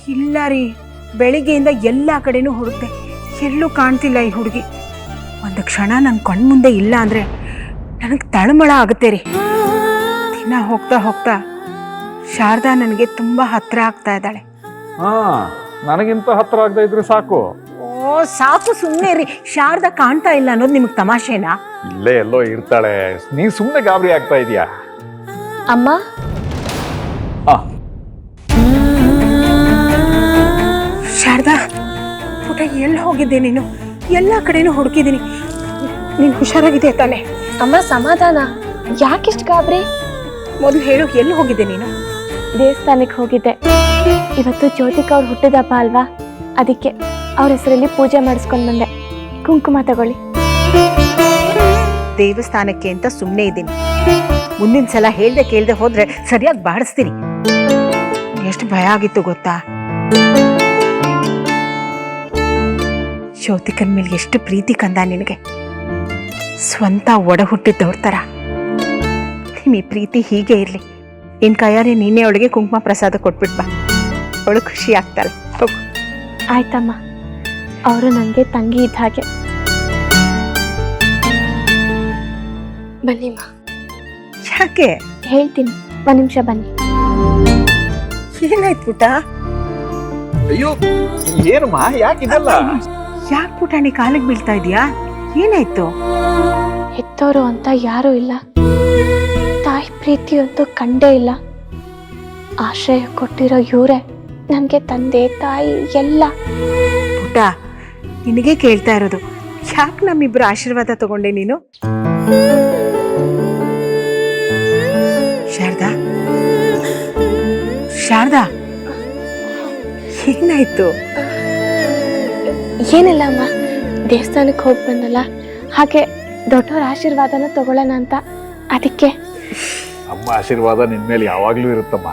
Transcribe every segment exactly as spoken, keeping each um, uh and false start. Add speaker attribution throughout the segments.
Speaker 1: ಇಲ್ಲ ರೀ, ಬೆಳಿಗ್ಗೆಯಿಂದ ಎಲ್ಲ ಕಡೆನೂ ಹುಡುಕ್ತೆ, ಎಲ್ಲೂ ಕಾಣ್ತಿಲ್ಲ ಈ ಹುಡುಗಿ. ಒಂದು ಕ್ಷಣ ನನ್ನ ಕಣ್ಮುಂದೆ ಇಲ್ಲ ಅಂದರೆ ನನಗೆ ತಳಮಳ ಆಗುತ್ತೆ ರೀ. ದಿನ ಹೋಗ್ತಾ ಹೋಗ್ತಾ ಶಾರದಾ ನನಗೆ ತುಂಬ ಹತ್ತಿರ ಆಗ್ತಾ ಇದ್ದಾಳೆ.
Speaker 2: ಹಾಂ, ನನಗಿಂತ ಹತ್ತಿರ ಆಗದೆ ಇದ್ರೆ ಸಾಕು.
Speaker 1: ಓ ಸಾಕು, ಸುಮ್ಮನೆ ರೀ. ಶಾರದಾ ಕಾಣ್ತಾ ಇಲ್ಲ ಅನ್ನೋದು ನಿಮಗೆ ತಮಾಷೆನಾ?
Speaker 2: ಇಲ್ಲೇ ಎಲ್ಲೋ ಇರ್ತಾಳೆ, ನೀ ಸುಮ್ಮನೆ ಗಾಬರಿ ಆಗ್ತಾ ಇದೀಯಾ.
Speaker 3: ಅಮ್ಮ,
Speaker 1: ಶಾರದಾ ಪುಟ ಎಲ್ಲಿ ಹೋಗಿದ್ದೆ ನೀನು? ಎಲ್ಲ ಕಡೆನೂ ಹುಡುಕಿದ್ದೀನಿ. ನೀನು ಹುಷಾರಾಗಿದೆ ತಾನೆ?
Speaker 3: ಅಮ್ಮ ಸಮಾಧಾನ, ಯಾಕಿಷ್ಟು ಗಾಬರಿ?
Speaker 1: ಮೊದಲು ಹೇಳು, ಎಲ್ಲಿ ಹೋಗಿದ್ದೆ ನೀನು?
Speaker 3: ದೇವಸ್ಥಾನಕ್ಕೆ ಹೋಗಿದ್ದೆ. ಇವತ್ತು ಜ್ಯೋತಿಕಾ ಅವ್ರು ಹುಟ್ಟಿದಪ್ಪ ಅಲ್ವಾ, ಅದಕ್ಕೆ ಅವ್ರ ಹೆಸರಲ್ಲಿ ಪೂಜೆ ಮಾಡಿಸ್ಕೊಂಡು ಬಂದೆ. ಕುಂಕುಮ ತಗೊಳ್ಳಿ.
Speaker 1: ದೇವಸ್ಥಾನಕ್ಕೆ ಅಂತ ಸುಮ್ಮನೆ ಇದ್ದೀನಿ. ಮುಂದಿನ ಸಲ ಹೇಳ್ದೆ ಕೇಳ್ದೆ ಹೋದ್ರೆ ಸರಿಯಾಗಿ ಬಾಡಿಸ್ತೀನಿ. ಎಷ್ಟು ಭಯ ಆಗಿತ್ತು ಗೊತ್ತಾ? ಜ್ಯೋತಿಕನ್ ಮೇಲೆ ಎಷ್ಟು ಪ್ರೀತಿ ಕಂದ ನಿನಗೆ, ಸ್ವಂತ ಒಡ ಹುಟ್ಟಿದ್ದವ್ರ ಥರ. ನಿಮ್ಮ ಈ ಪ್ರೀತಿ ಹೀಗೆ ಇರಲಿ. ನಿನ್ನ ಕೈಯಾರೆ ನೀನೇ ಅವಳಿಗೆ ಕುಂಕುಮ ಪ್ರಸಾದ ಕೊಟ್ಬಿಟ್ ಬಾ, ಅವಳು ಖುಷಿ ಆಗ್ತಾಳೆ. ಹೋಗು.
Speaker 3: ಆಯ್ತಮ್ಮ, ಅವರು ನನಗೆ ತಂಗಿ ಇದ್ದ ಹಾಗೆ. ಬನ್ನಿಮ್ಮ.
Speaker 1: ಯಾಕೆ?
Speaker 3: ಹೇಳ್ತೀನಿ, ಒಂದು ನಿಮಿಷ ಬನ್ನಿ.
Speaker 1: ಏನಾಯ್ತು ಪುಟ?
Speaker 2: ಅಯ್ಯೋ ಏನಮ್ಮ, ಯಾಕಿದೆಲ್ಲ?
Speaker 1: ಯಾಕೆ ಪುಟ ನೀ ಕಾಲಿಗೆ ಬೀಳ್ತಾ ಇದೀಯಾ? ಏನಾಯ್ತು?
Speaker 3: ಹೆತ್ತೋರು ಅಂತ ಯಾರೂ ಇಲ್ಲ, ತಾಯಿ ಪ್ರೀತಿ ಅಂತೂ ಕಂಡೇ ಇಲ್ಲ. ಆಶ್ರಯ ಕೊಟ್ಟಿರೋ ಇವರೇ ನನಗೆ ತಂದೆ ತಾಯಿ ಎಲ್ಲ.
Speaker 1: ಪುಟ, ನಿನಗೆ ಕೇಳ್ತಾ ಇರೋದು, ಯಾಕೆ ನಮ್ಮಿಬ್ರು ಆಶೀರ್ವಾದ ತಗೊಂಡೆ ನೀನು? ಶಾರದಾ, ಶಾರದಾ, ಏನಾಯ್ತು?
Speaker 3: ಏನಿಲ್ಲ ಅಮ್ಮ, ದೇವಸ್ಥಾನಕ್ಕೆ ಹೋಗಿ ಬಂದಲ್ಲ, ಹಾಗೆ ದೊಡ್ಡವ್ರ ಆಶೀರ್ವಾದನ ತಗೊಳ್ಳೋಣ ಅಂತ, ಅದಕ್ಕೆ.
Speaker 2: ಅಮ್ಮ ಆಶೀರ್ವಾದ ನಿನ್ ಮೇಲೆ ಯಾವಾಗ್ಲೂ ಇರುತ್ತಮ್ಮ.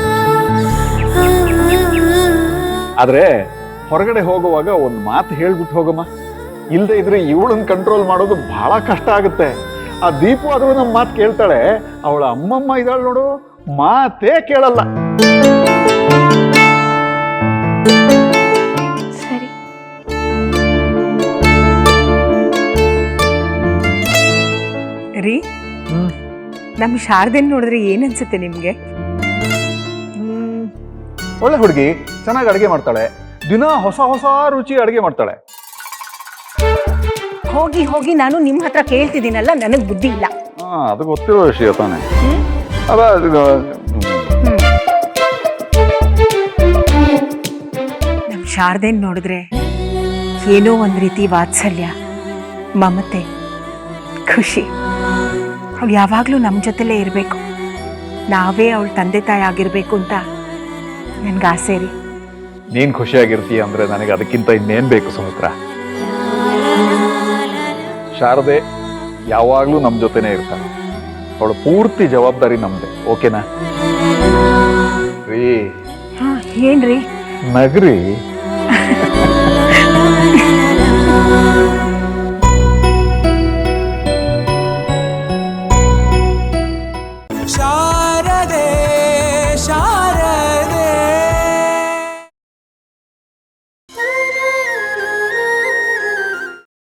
Speaker 2: ಆದ್ರೆ ಹೊರಗಡೆ ಹೋಗುವಾಗ ಒಂದು ಮಾತು ಹೇಳ್ಬಿಟ್ಟು ಹೋಗಮ್ಮ. ಇಲ್ದೇ ಇದ್ರೆ ಇವಳನ್ನ ಕಂಟ್ರೋಲ್ ಮಾಡೋದು ಬಹಳ ಕಷ್ಟ ಆಗುತ್ತೆ. ಆ ದೀಪು ಆದ್ರೂ ನಮ್ಮ ಮಾತು ಕೇಳ್ತಾಳೆ, ಅವಳ ಅಮ್ಮಮ್ಮ ಇದ್ದಾಳೆ ನೋಡು, ಮಾತೇ ಕೇಳಲ್ಲ.
Speaker 3: ಸರಿ.
Speaker 1: ರೀ, ನಮ್ಮ ಶಾರದೆನ್ ನೋಡಿದ್ರೆ ಏನನ್ಸುತ್ತೆ ನಿಮ್ಗೆ?
Speaker 2: ಹ್ಮ್ ಒಳ್ಳೆ ಹುಡುಗಿ, ಚೆನ್ನಾಗಿ ಅಡುಗೆ ಮಾಡ್ತಾಳೆ, ದಿನ ಹೊಸ ಹೊಸ ರುಚಿ ಅಡುಗೆ ಮಾಡ್ತಾಳೆ.
Speaker 1: ಹೋಗಿ ಹೋಗಿ ನಾನು ನಿಮ್ಮ ಹತ್ರ ಕೇಳ್ತಿದ್ದೀನಲ್ಲ, ನನಗೆ ಬುದ್ಧಿ ಇಲ್ಲ.
Speaker 2: ಹಾ, ಅದು ಗೊತ್ತಿರೋ ವಿಷಯ ತಾನೆ.
Speaker 1: ನಮ್ಮ ಶಾರದೆನ್ ನೋಡಿದ್ರೆ ಏನೋ ಒಂದು ರೀತಿ ವಾತ್ಸಲ್ಯ, ಮಮತೆ, ಖುಷಿ. ಅವಳು ಯಾವಾಗಲೂ ನಮ್ಮ ಜೊತೆಲೇ ಇರಬೇಕು, ನಾವೇ ಅವಳ ತಂದೆ ತಾಯಿ ಆಗಿರ್ಬೇಕು ಅಂತ ನನ್ಗೆ ಆಸೆ ರೀ.
Speaker 2: ನೀನ್ ಖುಷಿಯಾಗಿರ್ತೀಯ ಅಂದ್ರೆ ನನಗೆ ಅದಕ್ಕಿಂತ ಇನ್ನೇನ್ ಬೇಕು ಸುಮಿತ್ರಾ. ಶಾರದೆ ಯಾವಾಗ್ಲೂ ನಮ್ ಜೊತೆನೆ ಇರ್ತಾಳೆ, ಅವಳ ಪೂರ್ತಿ ಜವಾಬ್ದಾರಿ ನಮ್ದೆ. ಓಕೆನಾ? ರೀ
Speaker 1: ಹಾ, ಏನ್ರಿ?
Speaker 2: ನಗ್ರಿ.